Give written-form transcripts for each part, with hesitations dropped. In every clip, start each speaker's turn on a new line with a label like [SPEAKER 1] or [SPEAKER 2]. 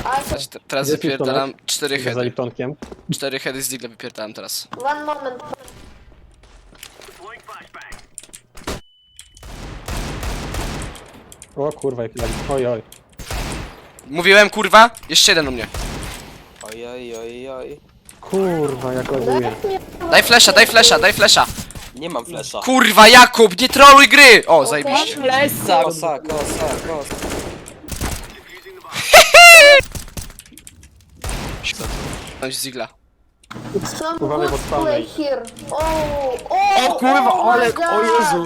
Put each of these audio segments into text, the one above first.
[SPEAKER 1] Teraz
[SPEAKER 2] Gdzie jest
[SPEAKER 1] wypierdalam 4
[SPEAKER 2] Za
[SPEAKER 1] heady.
[SPEAKER 2] Liptonkiem.
[SPEAKER 1] 4 heady z digla wypierdalam teraz.
[SPEAKER 3] One moment.
[SPEAKER 2] O kurwa, jak oj, oj.
[SPEAKER 1] Mówiłem kurwa? Jeszcze jeden u mnie.
[SPEAKER 4] Oj, oj, oj, oj.
[SPEAKER 2] Kurwa, jak laguje.
[SPEAKER 1] Daj flesza, daj flesza, daj flesza.
[SPEAKER 4] Nie mam flesza.
[SPEAKER 1] Kurwa Jakub, nie troluj gry! O, zajebiście.
[SPEAKER 4] Flesa! Kosa, kosa, kosa.
[SPEAKER 1] Chodź z digla.
[SPEAKER 3] Some
[SPEAKER 2] Uważaj, bo
[SPEAKER 3] good
[SPEAKER 2] spawnej.
[SPEAKER 3] play here. Oh,
[SPEAKER 4] O kurwa,
[SPEAKER 3] oh my
[SPEAKER 4] Olek,
[SPEAKER 3] God.
[SPEAKER 4] o Jezu!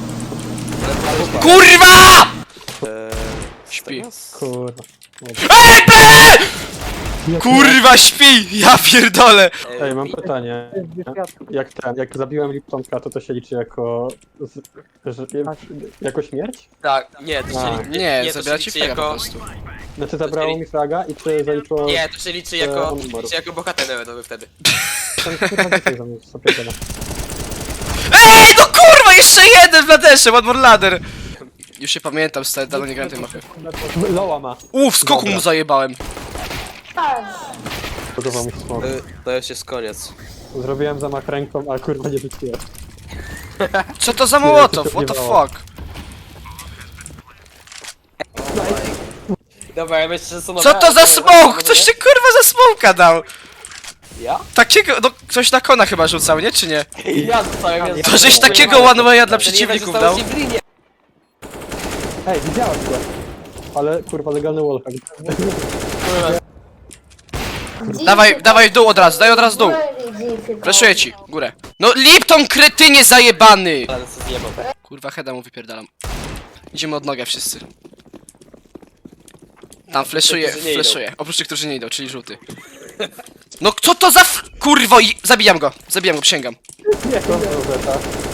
[SPEAKER 1] KURWA! Śpi.
[SPEAKER 2] Kurwa.
[SPEAKER 1] Ej, kurwa śpi! Ja pierdolę!
[SPEAKER 2] Ej, mam pytanie. Jak zabiłem Liptonka, to się liczy jako... jako śmierć?
[SPEAKER 4] Tak, nie, to się
[SPEAKER 2] A.
[SPEAKER 4] liczy.
[SPEAKER 1] Nie,
[SPEAKER 4] to się
[SPEAKER 1] zabiera ci
[SPEAKER 4] liczy
[SPEAKER 1] fraga po
[SPEAKER 4] jako...
[SPEAKER 1] prostu.
[SPEAKER 2] Znaczy zabrało mi fraga i czy zaliczyło...
[SPEAKER 4] Nie, to się liczy jako...
[SPEAKER 2] on umarł.
[SPEAKER 4] liczy jako bohater narodowy wtedy.
[SPEAKER 2] Ten kurwa więcej za mnie sobie gada.
[SPEAKER 1] Ej, no kurwa, jeszcze jeden w laderze, one more ladder! Już się pamiętam, stary, dawno nie grałem tej mapy.
[SPEAKER 2] Loła ma.
[SPEAKER 1] Skoku mu zajebałem.
[SPEAKER 2] Podobał mi się smok.
[SPEAKER 4] To już jest koniec.
[SPEAKER 2] Zrobiłem zamach ręką, a kurwa nie rzuciłem.
[SPEAKER 1] Co to za mołotow? What the fuck?
[SPEAKER 4] Dobra, ja myślę, że są...
[SPEAKER 1] Co to za smoke? Coś ty kurwa za smoka dał?
[SPEAKER 4] Ja?
[SPEAKER 1] Takiego, no ktoś na kona chyba rzucał, nie? Czy nie?
[SPEAKER 4] Ja zostałem... ja
[SPEAKER 1] To żeś
[SPEAKER 4] zostałem-
[SPEAKER 1] takiego one way'a dla
[SPEAKER 4] Ten jeden
[SPEAKER 1] przeciwników
[SPEAKER 4] został
[SPEAKER 1] dał?
[SPEAKER 4] w Ziblinie.
[SPEAKER 2] Ej, widziałem go. Ale kurwa legalny wallhack.
[SPEAKER 1] Dawaj w dół od razu, daj od razu dół. Flashuję ci, górę. No Lipton kretynie zajebany!
[SPEAKER 4] Ale co zjebał.
[SPEAKER 1] Kurwa, heada mu wypierdalam. Idziemy od nogę wszyscy. Tam flashuje,
[SPEAKER 4] którzy nie idą.
[SPEAKER 1] flashuje. Oprócz tych, którzy nie idą, czyli żółty. No co to za kurwo i... Zabijam go, przysięgam.
[SPEAKER 2] Nie, to zeta.